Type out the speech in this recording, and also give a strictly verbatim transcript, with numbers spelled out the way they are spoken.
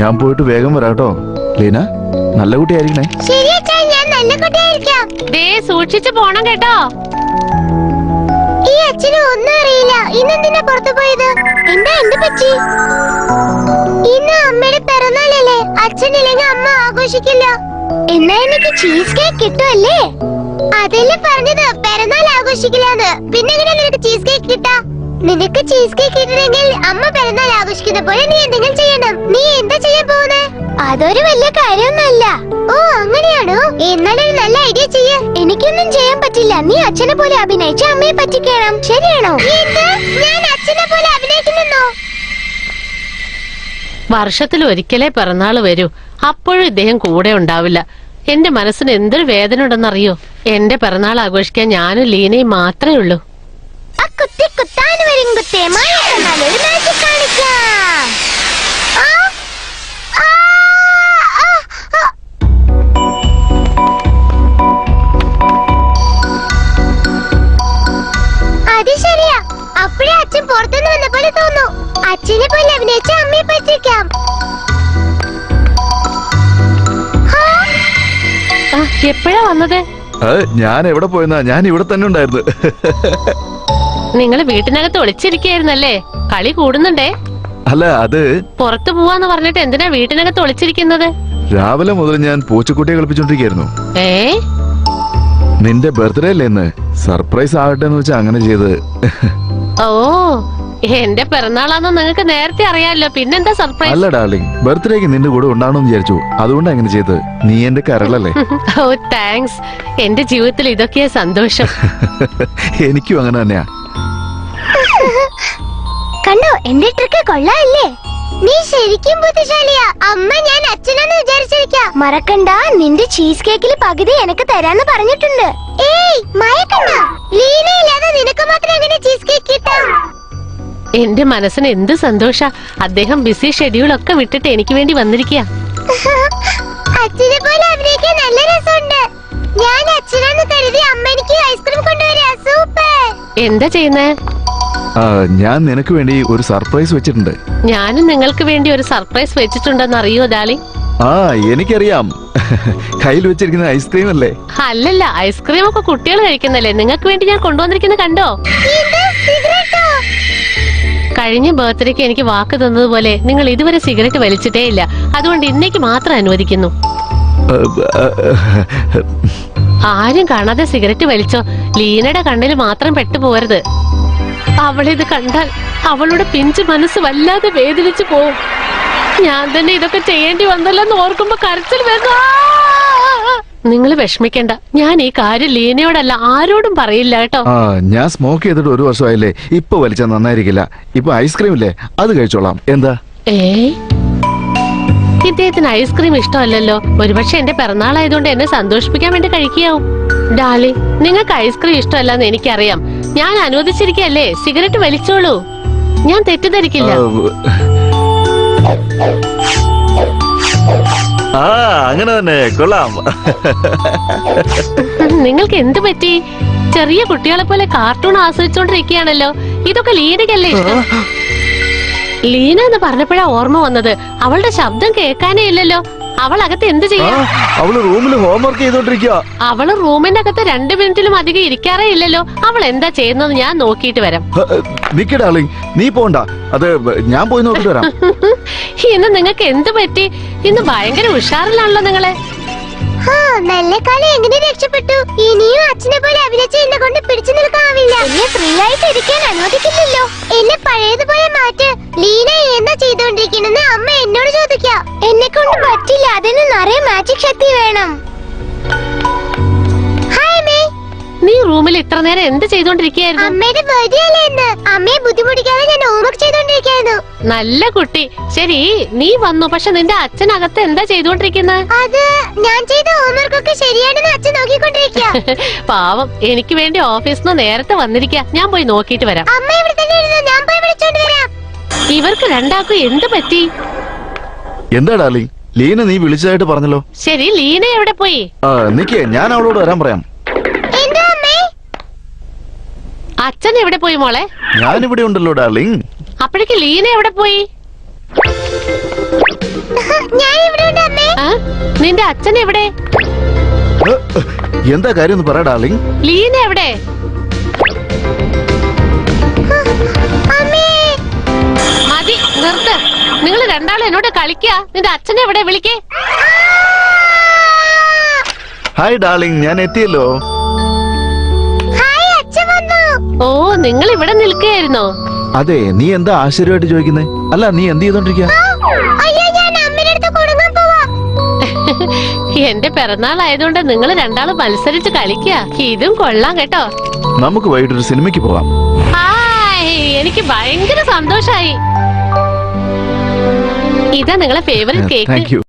ഞാൻ പോയിട്ട് വേഗം വരാട്ടോ. ലീന, നല്ല കുട്ടിയായിരിക്കണേ. ശരി അച്ഛാ, ഞാൻ നല്ല കുട്ടിയായിരിക്കാം. ദേ സൂക്ഷിച്ചു പോണം കേട്ടോ. ഈ അച്ഛന് ഒന്നും അറിയില്ല. ഇന്നെന്തിനാ പുറത്തു പോയത്? എന്താ എന്ത് പറ്റി? ഇന്ന് അമ്മയുടെ പിറന്നാളല്ലേ. അച്ഛനില്ലെങ്കിൽ അമ്മ ആഘോഷിക്കില്ല. എന്നാ എനിക്ക് ചീസ് കേക്ക് കിട്ടുമല്ലേ? അതല്ലേ പറഞ്ഞത്, പിറന്നാൾ ആഘോഷിക്കില്ലാന്ന്. പിന്നെ എങ്ങനെ നിനക്ക് ചീസ് കേക്ക് കിട്ടാ? നിനക്ക് ചീസ് കേക്ക് കിട്ടണമെങ്കിൽ അമ്മ പിറന്നാൾ ആഘോഷിക്കുന്ന പോലെ നീ എന്തെങ്കിലും ചെയ്യണം. നീ എന്താ ചെയ്യാൻ പോകുന്നേ? അതൊരു വലിയ കാര്യമൊന്നുമല്ല. ഓ അങ്ങനെയാണോ? എന്നാലൊരു നല്ല ഐഡിയ ചെയ്യ. എനിക്കൊന്നും ചെയ്യാൻ പറ്റില്ല. നീ അച്ഛനെ പോലെ അഭിനയിച്ച് അമ്മയെ പറ്റിക്കണം. ശരിയാണോ? ഞാൻ അച്ഛനെ പോലെ അഭിനയിക്കുന്നോ? വർഷത്തിൽ ഒരിക്കലേ പിറന്നാള് വരൂ. അപ്പോഴും ഇദ്ദേഹം കൂടെ ഉണ്ടാവില്ല. എന്റെ മനസ്സിന് എന്തൊരു വേദന ഉണ്ടെന്നറിയോ? എന്റെ പിറന്നാൾ ആഘോഷിക്കാൻ ഞാനും ലീനയും മാത്രമേ ഉള്ളൂ. കുത്തി കുത്താൻ വരും കുത്തേ മായ കണ്ണാലൊരു മാജിക് കാണിക്കാം. അത് ശരിയാ. അപ്പോഴേ അച്ഛൻ പുറത്തുനിന്ന് വന്ന പോലെ തോന്നു. അച്ഛനെ പോലെ അഭിനയിച്ച് അമ്മയെ പറ്റിക്കാം. എപ്പോഴാ വന്നത്? ഞാൻ എവിടെ പോയെന്നാ? ഞാൻ ഇവിടെ തന്നെ ഉണ്ടായിരുന്നു. നിങ്ങള് വീട്ടിനകത്ത് ഒളിച്ചിരിക്കായിരുന്നല്ലേ? കളി കൂടുന്നുണ്ടേ. അല്ല, അത് പുറത്തു പോവാന്ന് പറഞ്ഞിട്ട് എന്തിനാ വീട്ടിനകത്ത് ഒളിച്ചിരിക്കുന്നത്? രാവിലെ മുതൽ ഞാൻ പൂച്ചക്കുട്ടിയെ കളിപ്പിച്ചോണ്ടിരിക്കായിരുന്നു. ഏ നിന്റെ ബർത്ത്ഡേ അല്ലേ ഇന്ന്? സർപ്രൈസ് ആകട്ടെ എന്ന് വെച്ചാ അങ്ങനെ ചെയ്ത്. ഓ, എന്റെ പിറന്നാളാന്ന് നിങ്ങൾക്ക് നേരത്തെ അറിയാലോ. പിന്നെന്താ സർപ്രൈസ്? അല്ല ഡാർലിംഗ്, ബർത്ത്ഡേക്ക് നിന്റെ കൂടെ ഉണ്ടാവണമെന്ന് വിചാരിച്ചു. അതുകൊണ്ടാ അങ്ങനെ ചെയ്ത്. നീ എന്റെ കരളല്ലേ. ഓ താങ്ക്സ്. എന്റെ ജീവിതത്തിൽ ഇതൊക്കെയാ സന്തോഷം. എനിക്കും അങ്ങനെ തന്നെയാ. കണ്ടോ, എന്റെ ട്രിക്ക് കൊള്ളാല്ലേ? നീ ശരിക്കും ബുദ്ധിശാലിയാ. അമ്മ ഞാൻ അച്ഛനാന്ന് വിചാരിച്ചിരിക്കാ. മറക്കണ്ട, നിന്റെ ചീസ് കേക്കിൽ പകുതി എനിക്ക് തരാന്ന് പറഞ്ഞിട്ടുണ്ട്. ഏയ് മയക്കണ്ട. ലീനയില്ലാതെ നിനക്ക് മാത്രം എങ്ങനെ ചീസ് കേക്ക് കിട്ടാം? എന്റെ മനസ്സിന് എന്ത് സന്തോഷ. അദ്ദേഹം ബിസി ഷെഡ്യൂൾ ഒക്കെ വിട്ടിട്ട് എനിക്ക് വേണ്ടി വന്നിരിക്കുക. അച്ഛനെ പോലെ അഭിനയിക്കാൻ നല്ല രസമുണ്ട്. ഞാൻ അച്ഛനാന്ന് കരുതി അമ്മ എനിക്ക് ഐസ്ക്രീം കൊണ്ടുവരാ. സൂപ്പർ. എന്താ ചെയ്യുന്നേ? ഞാൻ നിനക്ക് വേണ്ടി ഒരു സർപ്രൈസ് വെച്ചിട്ടുണ്ട്. ഞാനും നിങ്ങൾക്ക് വേണ്ടി ഒരു സർപ്രൈസ് വെച്ചിട്ടുണ്ടെന്ന് അറിയോ ഡാലി? ആ എനിക്കറിയാം. കയ്യിൽ വെച്ചിരിക്കുന്ന ഐസ്ക്രീം അല്ലേ? അല്ലല്ല, ഐസ്ക്രീം ഒക്കെ കുട്ടികൾ കഴിക്കുന്നല്ലേ. നിങ്ങൾക്ക് വേണ്ടി ഞാൻ കൊണ്ടുവന്നിരിക്കുന്നത് കണ്ടോ? കഴിഞ്ഞ ബർത്ത്ഡേക്ക് എനിക്ക് വാക്ക് തന്നതുപോലെ നിങ്ങൾ ഇതുവരെ സിഗരറ്റ് വലിച്ചിട്ടേ ഇല്ല. അതുകൊണ്ട് ഇന്നേക്ക് മാത്രം അനുവദിക്കുന്നു. ആരും കാണാതെ സിഗരറ്റ് വലിച്ചോ. ലീനയുടെ കണ്ണിൽ മാത്രം പെട്ടുപോകരുത്. അവളിത് കണ്ടാൽ അവളുടെ പിഞ്ചു മനസ്സ് വല്ലാതെ വേദനിച്ചു പോവും. ഞാൻ തന്നെ ഇതൊക്കെ ചെയ്യേണ്ടി വന്നല്ലെന്ന് ഓർക്കുമ്പോ കരച്ചിൽ വരുന്നു. നിങ്ങൾ വിഷമിക്കണ്ട. ഞാൻ ഈ കാര്യം ലീനയോടല്ല ആരോടും പറയില്ല കേട്ടോ. ഞാൻ സ്മോക്ക് ചെയ്തിട്ട് ഒരു വർഷമായില്ലേ. ഇപ്പൊ വലിച്ചാൽ നന്നായിരിക്കില്ല. ഇപ്പൊ ഐസ്ക്രീം ഇല്ലേ, അത് കഴിച്ചോളാം. എന്താ? ഏ ഇദ്ദേഹത്തിന് ഐസ്ക്രീം ഇഷ്ടമല്ലല്ലോ. ഒരുപക്ഷെ എന്റെ പിറന്നാളായതുകൊണ്ട് എന്നെ സന്തോഷിപ്പിക്കാൻ വേണ്ടി കഴിക്കാവും. ഡാലി, നിങ്ങൾക്ക് ഐസ്ക്രീം ഇഷ്ടമല്ലെന്ന് എനിക്കറിയാം. ഞാൻ അനുവദിച്ചിരിക്കല്ലേ. സിഗരറ്റ് വലിച്ചോളൂ. ഞാൻ തെറ്റിദ്ധരിക്കില്ല. ആ അങ്ങനെ തന്നെ കൊള്ളാം. നിങ്ങൾക്ക് എന്ത് പറ്റി? ചെറിയ കുട്ടികളെ പോലെ കാർട്ടൂൺ ആസ്വദിച്ചോണ്ടിരിക്കുകയാണല്ലോ. ഇതൊക്കെ ലീനയ്ക്കല്ലേ ഇഷ്ടം? ലീന എന്ന് പറഞ്ഞപ്പോഴാ ഓർമ്മ വന്നത്. അവളുടെ ശബ്ദം കേൾക്കാനേ ഇല്ലല്ലോ. അവൾ അകത്ത് എന്ത് ചെയ്യാ? അവള് റൂമിൽ ഹോംവർക്ക് ചെയ്തോണ്ടിരിക്കുക. അവള് റൂമിന്റെ അകത്ത് രണ്ടു മിനിറ്റിലും അധികം ഇരിക്കാറേ ഇല്ലല്ലോ. അവൾ എന്താ ചെയ്യുന്നത് ഞാൻ നോക്കിയിട്ട് വരാം. നിക്ക് ഡാർലിംഗ്, നീ പോണ്ട. അത് ഞാൻ പോയി നോക്കിട്ട് വരാം. ഇന്ന് നിങ്ങൾക്ക് എന്ത് പറ്റി? ഇന്ന് ഭയങ്കര ഉഷാറിലാണല്ലോ നിങ്ങളെ. നല്ല കളി എങ്ങനെ രക്ഷപ്പെട്ടു? ഇനിയും അച്ഛനെ പോലെ അഭിനയിച്ച് എന്നെ കൊണ്ട് പിടിച്ചു നിൽക്കാവില്ല. എന്നെ ഫ്രീ ആയിട്ട് ഇരിക്കാൻ അനുവദിക്കില്ലല്ലോ. എന്നെ പഴയതുപോലെ മാറ്റ്. ലീന എന്താ ചെയ്തോണ്ടിരിക്കുന്നെന്ന് അമ്മ എന്നോട് ചോദിക്കാം. എന്നെ കൊണ്ട് പറ്റില്ല. അതിന് നിറയെ മാജിക് ശക്തി വേണം. ഹായ് മേ. നീ റൂമിൽ ഇത്ര നേരം എന്ത് ചെയ്തോണ്ടിരിക്കുകയായിരുന്നു? അമ്മയുടെ ബർത്ത്ഡേ അല്ലേ ഇന്ന്. അമ്മയെ ബുദ്ധിമുട്ടിക്കാതെ ഞാൻ ഹോംവർക്ക് ചെയ്തോണ്ടിരിക്കായിരുന്നു. നല്ല കുട്ടി. ശരി, നീ വന്നു. പക്ഷെ നിന്റെ അച്ഛനകത്ത് എന്താ ചെയ്തോണ്ടിരിക്കുന്നത്? അത് ഞാൻ ചെയ്ത ഹോംവർക്ക് ഒക്കെ ശരിയാണെന്ന് അച്ഛൻ നോക്കിക്കൊണ്ടിരിക്കുക. പാവം, എനിക്ക് വേണ്ടി ഓഫീസിൽ നിന്ന് നേരത്തെ വന്നിരിക്കുക. ഞാൻ പോയി നോക്കിയിട്ട് വരാം. അമ്മ ഇവിടെ തന്നെ ഇരുന്നു. ഞാൻ പോയി വിളിച്ചോണ്ട് വരാം. ഇവർക്ക് രണ്ടാൾക്കും എന്ത് പറ്റി? എന്താ ഡാർലിംഗ്, ലീന നീ വിളിച്ചതായിട്ട് പറഞ്ഞല്ലോ. ശരി, ലീന എവിടെ പോയി? നിക്ക്, ഞാൻ അവളോട് വരാൻ പറയാം. അച്ഛൻ എവിടെ പോയി മോളെ? ഞാനിവിടെ ഉണ്ടല്ലോ ഡാർലിംഗ്. അപ്പോഴേക്ക് ലീന എവിടെ പോയി? ഞാൻ ഇവിടെ ഉണ്ട് അമ്മേ. ആ? നിന്റെ അച്ഛൻ എവിടെ? ഏ, എന്താ കാര്യം ഒന്ന് പറ ഡാർലിംഗ്. ലീന എവിടെ? അമ്മേ. മതി, നിർത്ത്. നിങ്ങൾ രണ്ടാളും എന്നോട് കളിക്കുക. നിന്റെ അച്ഛനെ എവിടെ? വിളിക്കേ. ഹായ് ഡാർലിംഗ്, ഞാൻ എത്തിയല്ലോ. ഹായ്, അച്ഛൻ വന്നു. ഓ, നിങ്ങൾ ഇവിടെ നിൽക്കുകയായിരുന്നോ? അതെ, നീ എന്താ ആശ്ചര്യമായിട്ട് ചോദിക്കുന്നേ? അല്ല, നീ എന്ത് ചെയ്തോണ്ടിരിക്കുക? അയ്യോ, ഞാൻ അമ്മയുടെ അടുത്ത് കൊടുങ്ങാൻ പോവാ. എന്റെ പിറന്നാൾ ആയതുകൊണ്ട് നിങ്ങൾ രണ്ടാളും മത്സരിച്ച് കളിക്കുക. ഇതും കൊള്ളാം കേട്ടോ. നമുക്ക് വൈകിട്ടൊരു സിനിമയ്ക്ക് പോവാം. ഹായ്, എനിക്ക് ഭയങ്കര സന്തോഷായി. ഇതാ നിങ്ങളെ ഫേവറേറ്റ് കേക്ക്. Thank you.